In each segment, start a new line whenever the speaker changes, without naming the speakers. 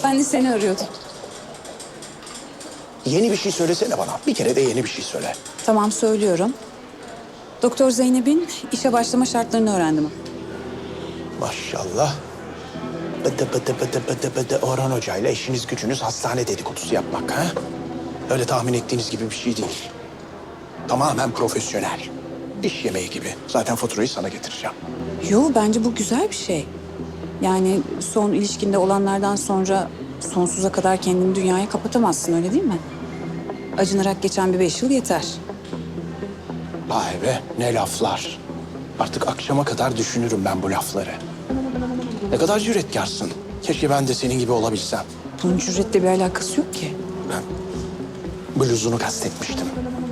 Ben de seni arıyordum.
Yeni bir şey söylesene bana. Bir kere de yeni bir şey söyle.
Tamam, söylüyorum. Doktor Zeynep'in işe başlama şartlarını öğrendim.
Maşallah. Bıdı bıdı bıdı bıdı bıdı Orhan Hoca ile işiniz gücünüz hastane dedikodusu yapmak ha? Öyle tahmin ettiğiniz gibi bir şey değil. Tamamen profesyonel. İş yemeği gibi. Zaten faturayı sana getireceğim.
Yo, bence bu güzel bir şey. Yani son ilişkinde olanlardan sonra sonsuza kadar kendini dünyaya kapatamazsın, öyle değil mi? Acınarak geçen bir 5 yıl yeter.
Vay be, ne laflar. Artık akşama kadar düşünürüm ben bu lafları. Ne kadar cüretkarsın. Keşke ben de senin gibi olabilsem.
Bunun cüretle bir alakası yok ki.
Ben bluzunu kastetmiştim.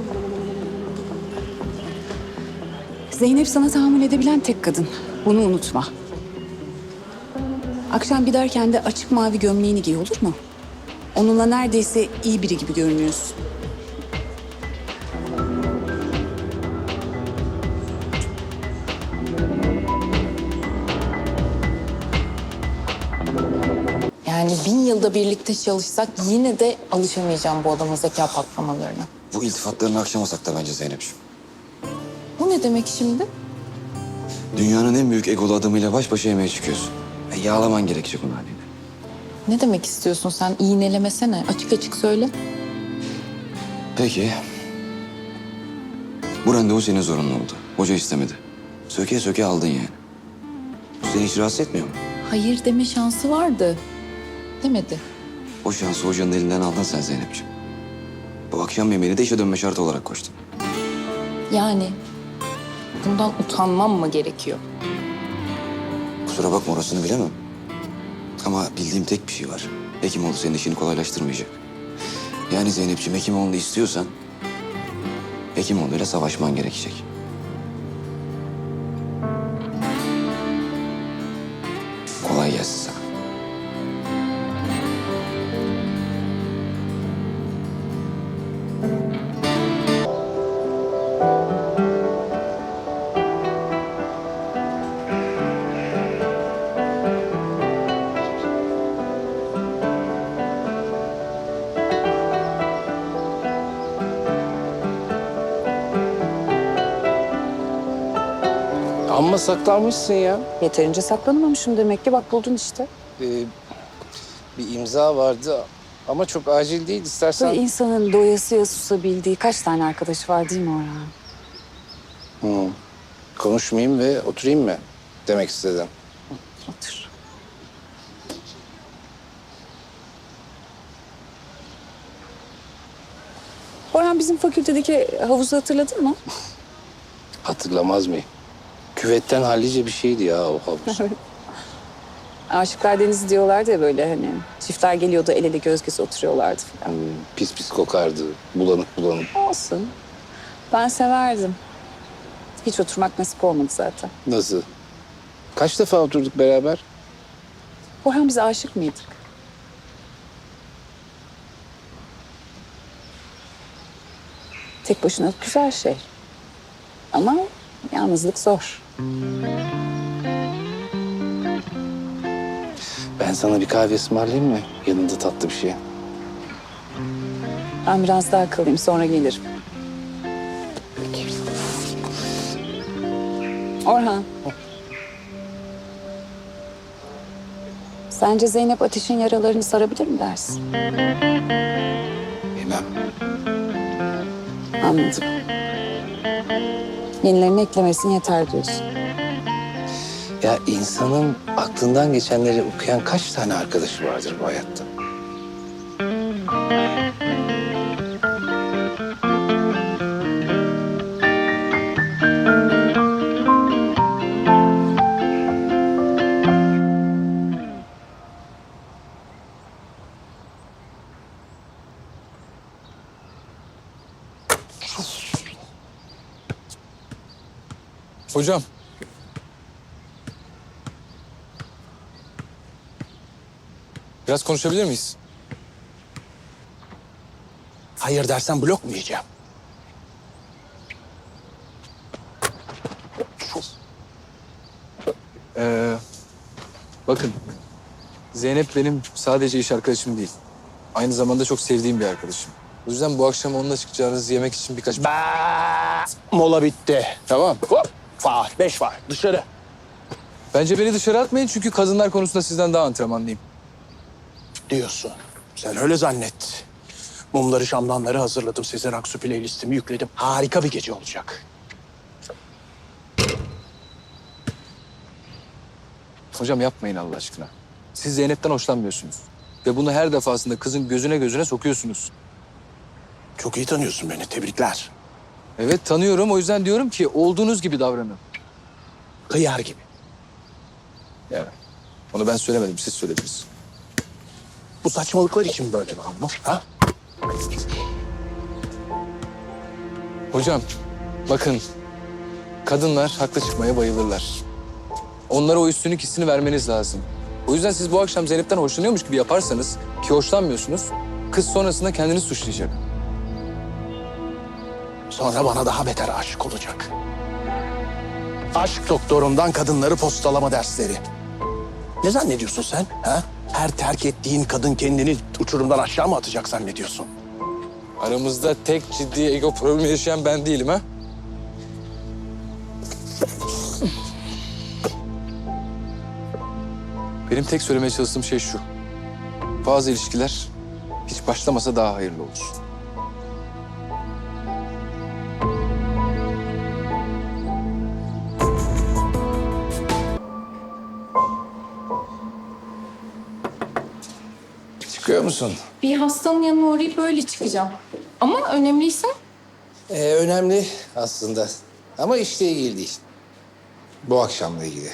Zeynep sana tahammül edebilen tek kadın. Bunu unutma. Akşam giderken de açık mavi gömleğini giy, olur mu? Onunla neredeyse iyi biri gibi görünüyorsun.
Yani 1000 yılda birlikte çalışsak yine de alışamayacağım bu adamın zeka patlamalarına.
Bu iltifatlarını akşamasak da bence Zeynep'ciğim.
Bu ne demek şimdi?
Dünyanın en büyük egolu adamıyla baş başa yemeğe çıkıyorsun. Yağlaman gerekecek onun haliyle.
Ne demek istiyorsun sen? İğnelemesene. Açık açık söyle.
Peki. Bu randevu senin zorunlu oldu. Hoca istemedi. Söke söke aldın yani. Bu seni hiç rahatsız etmiyor mu?
Hayır deme şansı vardı. Demedi.
O şansı hocanın elinden aldın sen Zeynep'ciğim. Bu akşam yemeğini de işe dönme şartı olarak koştun.
Yani bundan utanmam mı gerekiyor?
Kusura bakma orasını bilemem. Ama bildiğim tek bir şey var. Hekimoğlu senin işini kolaylaştırmayacak. Yani Zeynep'ciğim Hekimoğlu'nu istiyorsan... Hekimoğlu'yla savaşman gerekecek. Kolay gelsin sana.
Amma saklanmışsın ya.
Yeterince saklanamamışım demek ki, bak buldun işte.
Bir imza vardı ama çok acil değil istersen.
Böyle insanın doyasıya susabildiği kaç tane arkadaşı var değil mi Orhan?
Konuşmayayım ve oturayım mı demek istedim.
Otur. Orhan, bizim fakültedeki havuzu hatırladın mı?
Hatırlamaz mıyım? Küvetten hallice bir şeydi ya o havuz.
Aşıklar Denizi diyorlardı ya, böyle hani çiftler geliyordu, el ele göz göze oturuyorlardı falan.
Pis pis kokardı. Bulanık bulanık.
Olsun. Ben severdim. Hiç oturmak nasip olmadı zaten.
Nasıl? Kaç defa oturduk beraber?
Orhan, biz aşık mıydık? Tek başına güzel şey. Ama yalnızlık zor.
Ben sana bir kahve ısmarlayayım mı? Yanında tatlı bir şey.
Ben biraz daha kalayım, sonra gelirim. Orhan. Sence Zeynep Ateş'in yaralarını sarabilir mi dersin?
Bilmem.
Anladım. Yenilerini eklemesin yeter diyorsun.
Ya insanın aklından geçenleri okuyan kaç tane arkadaşı vardır bu hayatta?
Hocam. Biraz konuşabilir miyiz?
Hayır dersen blok mu yiyeceğim?
Bakın. Zeynep benim sadece iş arkadaşım değil. Aynı zamanda çok sevdiğim bir arkadaşım. O yüzden bu akşam onunla çıkacağınız yemek için birkaç...
Mola bitti. Tamam. Hop. Faal. 5 faal. Dışarı.
Bence beni dışarı atmayın çünkü kadınlar konusunda sizden daha antrenmanlıyım.
Diyorsun. Sen öyle zannet. Mumları, şamdanları hazırladım. Sezen Aksu playlistimi yükledim. Harika bir gece olacak.
Hocam yapmayın Allah aşkına. Siz Zeynep'ten hoşlanmıyorsunuz. Ve bunu her defasında kızın gözüne sokuyorsunuz.
Çok iyi tanıyorsun beni. Tebrikler.
Evet tanıyorum, o yüzden diyorum ki olduğunuz gibi davranın.
Hıyar gibi.
Yani onu ben söylemedim, siz söylediniz.
Bu saçmalıklar için böyle mi ama? Ha?
Hocam bakın, kadınlar haklı çıkmaya bayılırlar. Onlara o üstünlük hissini vermeniz lazım. O yüzden siz bu akşam Zeynep'ten hoşlanıyormuş gibi yaparsanız, ki hoşlanmıyorsunuz, kız sonrasında kendini suçlayacak.
Sonra bana daha beter aşık olacak. Aşk doktorundan kadınları postalama dersleri. Ne zannediyorsun sen? Ha? Her terk ettiğin kadın kendini uçurumdan aşağı mı atacak zannediyorsun?
Aramızda tek ciddi ego problemi yaşayan ben değilim ha. Benim tek söylemeye çalıştığım şey şu. Bazı ilişkiler hiç başlamasa daha hayırlı olur.
Çıkıyor musun?
Bir hastanın yanına uğrayıp böyle çıkacağım. Ama önemliyse
Önemli aslında. Ama işle ilgili değil. Bu akşamla ilgili.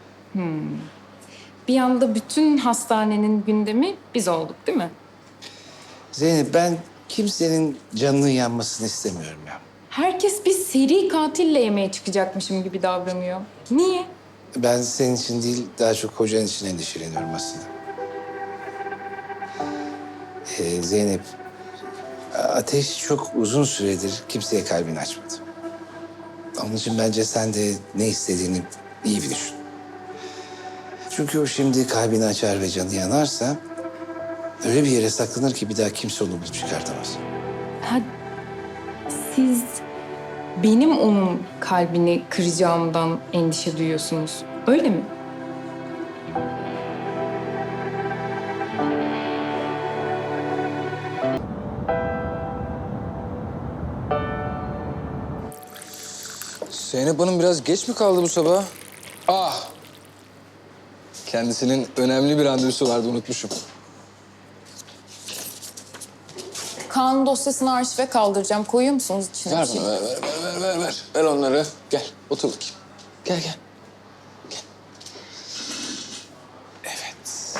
bir anda bütün hastanenin gündemi biz olduk değil mi?
Zeynep, ben kimsenin canının yanmasını istemiyorum ya.
Herkes bir seri katille yemeğe çıkacakmışım gibi davranıyor. Niye?
Ben senin için değil, daha çok kocan için endişeleniyorum aslında. Zeynep, Ateş çok uzun süredir kimseye kalbini açmadı. Onun için bence sen de ne istediğini iyi bir düşün. Çünkü o şimdi kalbini açar ve canı yanarsa... öyle bir yere saklanır ki bir daha kimse onu bulup çıkartamaz.
Ha, siz benim onun kalbini kıracağımdan endişe duyuyorsunuz. Öyle mi?
Zeynep Hanım biraz geç mi kaldı bu sabah? Ah! Kendisinin önemli bir randevusu vardı, unutmuşum.
Kaan dosyasını arşive kaldıracağım. Koyuyor musunuz içine?
Ver
bir şey?
bana, ver. Ver onları. Gel, otur bakayım. Gel. Evet.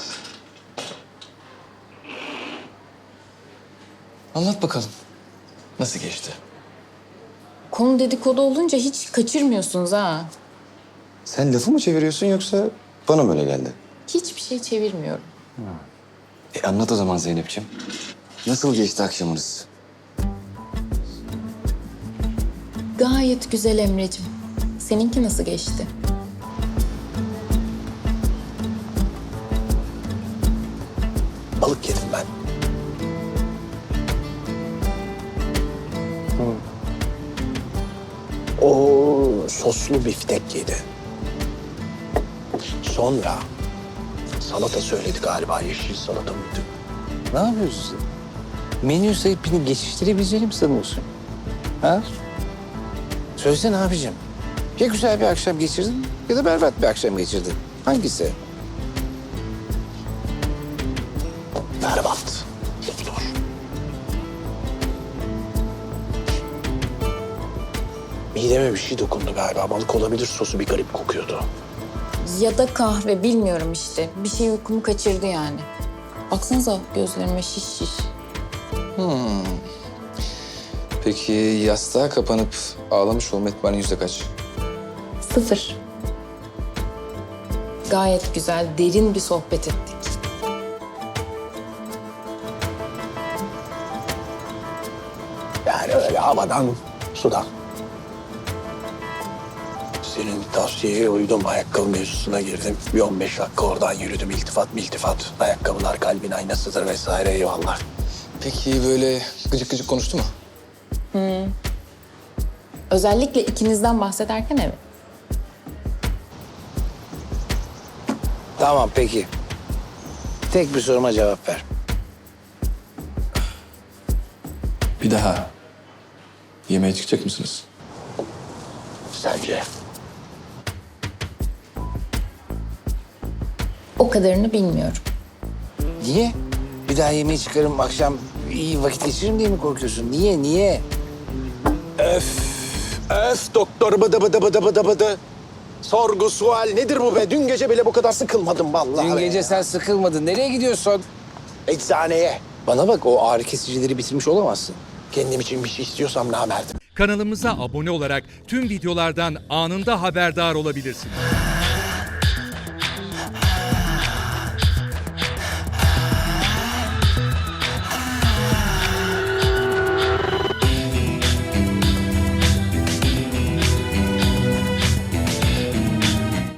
Anlat bakalım. Nasıl geçti?
Konu dedikodu olunca hiç kaçırmıyorsunuz ha.
Sen lafı mı çeviriyorsun yoksa bana mı öyle geldi?
Hiçbir şey çevirmiyorum.
Anlat o zaman Zeynep'ciğim. Nasıl geçti akşamınız?
Gayet güzel Emre'cim. Seninki nasıl geçti?
Balık yedim ben. O soslu biftek yedi. Sonra salata söyledi galiba. Yeşil salata mıydı?
Ne yapıyorsun sen? Menü sayıp beni geçiştirebileceğini mi sanıyorsun? Ha? Söylesene abicim. Ya güzel bir akşam geçirdin ya da berbat bir akşam geçirdin. Hangisi?
Berbat. Doktor. Mideme bir şey dokundu galiba. Balık olabilir, sosu bir garip kokuyordu.
Ya da kahve bilmiyorum işte. Bir şey uykumu kaçırdı yani. Baksanıza gözlerime şiş.
Peki yastığa kapanıp ağlamış olma ihtimali yüzde kaç?
0. Gayet güzel, derin bir sohbet ettik.
Yani öyle havadan, sudan. Senin tavsiyeye uydum. Ayakkabı mevzusuna girdim. Bir 15 dakika oradan yürüdüm. İltifat. Ayakkabılar kalbin aynasıdır vesaire, eyvallah.
Peki böyle gıcık gıcık konuştu mu?
Özellikle ikinizden bahsederken evet.
Tamam peki. Tek bir soruma cevap ver.
Bir daha yemeğe çıkacak mısınız?
Sence?
O kadarını bilmiyorum.
Niye? Bir daha yemeğe çıkarım, akşam iyi vakit geçiririm diye mi korkuyorsun? Niye?
Öf doktor bıdı. Sorgu sual nedir bu be? Dün gece bile bu kadar sıkılmadım vallahi.
Dün
be
gece
ya.
sen sıkılmadın. Nereye gidiyorsun?
Eczaneye.
Bana bak, o ağrı kesicileri bitirmiş olamazsın.
Kendim için bir şey istiyorsam namerdim.
Kanalımıza abone olarak tüm videolardan anında haberdar olabilirsiniz.